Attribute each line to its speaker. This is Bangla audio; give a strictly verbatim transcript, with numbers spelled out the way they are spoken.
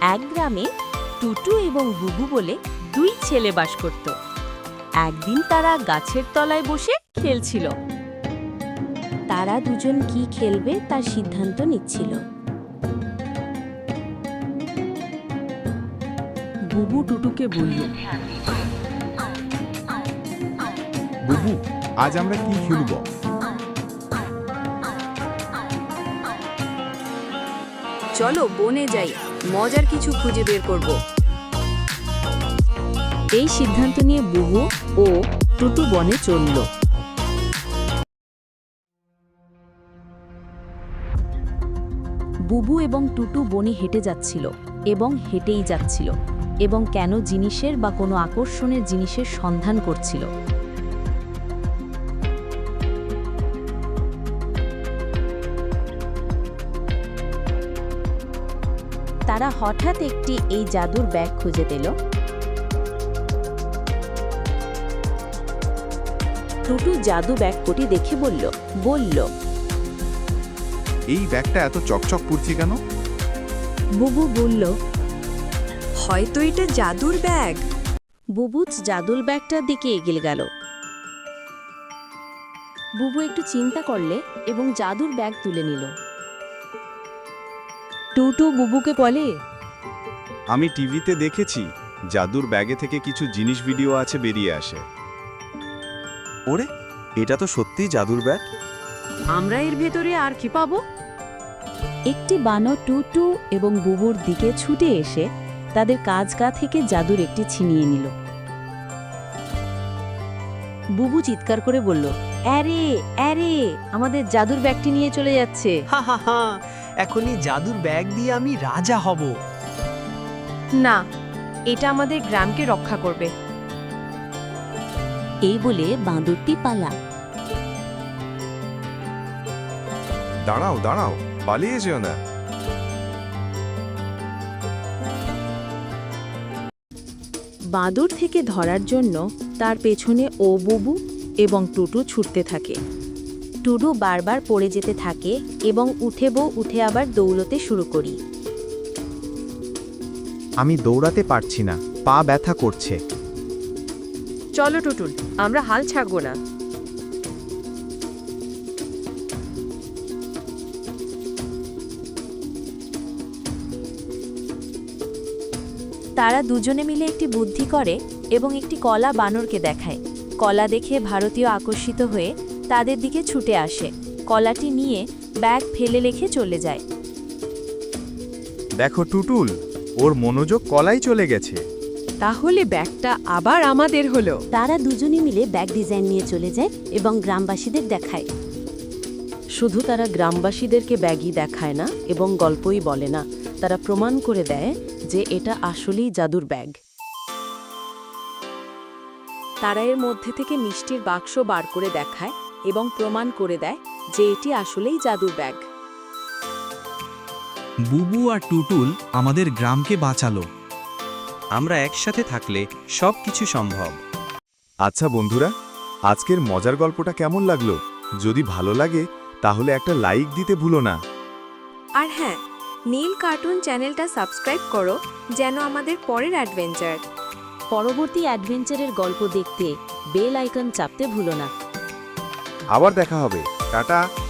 Speaker 1: এক গ্রামে টুটু এবং বুবু বলে দুই ছেলে বাস করত। একদিন তারা গাছের তলায় বসে খেলছিল। তারা দুজন কি খেলবে তার সিদ্ধান্ত নিচ্ছিল। বুবু টুটুকে বলল,
Speaker 2: বুবু, আজ আমরা কি খেলব?
Speaker 3: চলো বনে যাই, মজার কিছু খুঁজে বের করব।
Speaker 1: এই সিদ্ধান্ত নিয়ে বুবু ও টুটু বনে চলল। বুবু এবং টুটু বনে হেঁটে যাচ্ছিল এবং হেঁটেই যাচ্ছিল এবং কেন জিনিসের বা কোনো আকর্ষণের জিনিসের সন্ধান করছিল। তারা হঠাৎ একটি এই জাদুর ব্যাগ খুঁজে পেল। টুটু জাদু ব্যাগটি দেখে বলল বলল
Speaker 2: এই ব্যাগটা এত চকচক করছে কেন?
Speaker 1: বুবু বলল,
Speaker 3: হয়তো এটা জাদুর ব্যাগ।
Speaker 1: বুবু জাদুর ব্যাগটার দিকে এগিয়ে গেল। বুবু একটু চিন্তা করলে এবং জাদুর ব্যাগ তুলে নিল। টুটু বুবুকে বলে,
Speaker 4: আমি টিভিতে দেখেছি জাদুর ব্যাগে থেকে কিছু জিনিস ভিডিও আছে বেরিয়ে আসে।
Speaker 5: ওরে, এটা তো সত্যিই জাদুর ব্যাগ।
Speaker 3: আমরা এর ভেতরে আর কি পাবো?
Speaker 1: একটি বানর টুটু এবং বুবুর দিকে ছুটে এসে তাদের কাজ গা থেকে জাদুর একটি ছিনিয়ে নিল। বুবু চিৎকার করে বলল, আরে আরে, আমাদের জাদুর ব্যাগটি নিয়ে চলে যাচ্ছে।
Speaker 6: হা হা হা, এখনই জাদুর ব্যাগ দিয়ে আমি রাজা হব।
Speaker 3: না, এটা আমাদের গ্রামকে রক্ষা করবে।
Speaker 1: এই বলে বাঁদরটি পালা।
Speaker 2: দাঁড়াও দাঁড়াও, পালিয়ে যেও না।
Speaker 1: বাঁদর থেকে ধরার জন্য তার পেছনে ও বুবু এবং টুটু ছুটতে থাকে। টুটু বারবার পড়ে যেতে থাকে এবং উঠে বউ উঠে আবার দৌড়তে শুরু করি।
Speaker 5: আমি দৌড়াতে পারছি না, পা ব্যথা করছে।
Speaker 3: চলো টুটুল, আমরা হাল ছাড়বো না।
Speaker 1: তারা দুজনে মিলে একটি বুদ্ধি করে এবং একটি কলা বানরকে দেখায়। কলা দেখে ভারতীয় আকর্ষিত হয়ে তাদের দিকে ছুটে আসে। কলাটি নিয়ে ব্যাগ ফেলে রেখে চলে যায়।
Speaker 5: দেখো টুটুল, ওর মনোযোগ কলাই চলে গেছে।
Speaker 3: তাহলে ব্যাগটা আবার আমাদের হলো।
Speaker 1: তারা দুজনে মিলে ব্যাগ ডিজাইন নিয়ে চলে যায় এবং গ্রামবাসীদের দেখায়। শুধু তারা গ্রামবাসীদেরকে ব্যাগই দেখায় না এবং গল্পই বলে না, তারা প্রমাণ করে দেয় যে এটা আসলেই জাদুর ব্যাগ। তারা এর মধ্যে থেকে মিষ্টির বাক্স বার করে দেখায় এবং প্রমাণ করে দেয় যে এটি আসলেই জাদুর ব্যাগ।
Speaker 7: বুবু আর টুটুল আমাদের গ্রামকে বাঁচালো।
Speaker 5: আমরা একসাথে থাকলে সবকিছু সম্ভব।
Speaker 2: আচ্ছা বন্ধুরা, আজকের মজার গল্পটা কেমন লাগলো? যদি ভালো লাগে তাহলে একটা লাইক দিতে ভুলো না।
Speaker 3: আর হ্যাঁ, নীল কার্টুন চ্যানেলটা সাবস্ক্রাইব করো যেন আমাদের পরের অ্যাডভেঞ্চার
Speaker 1: পরবর্তী অ্যাডভেঞ্চারের গল্প দেখতে বেল আইকন চাপতে ভুলো না।
Speaker 2: আবার দেখা হবে। টাটা।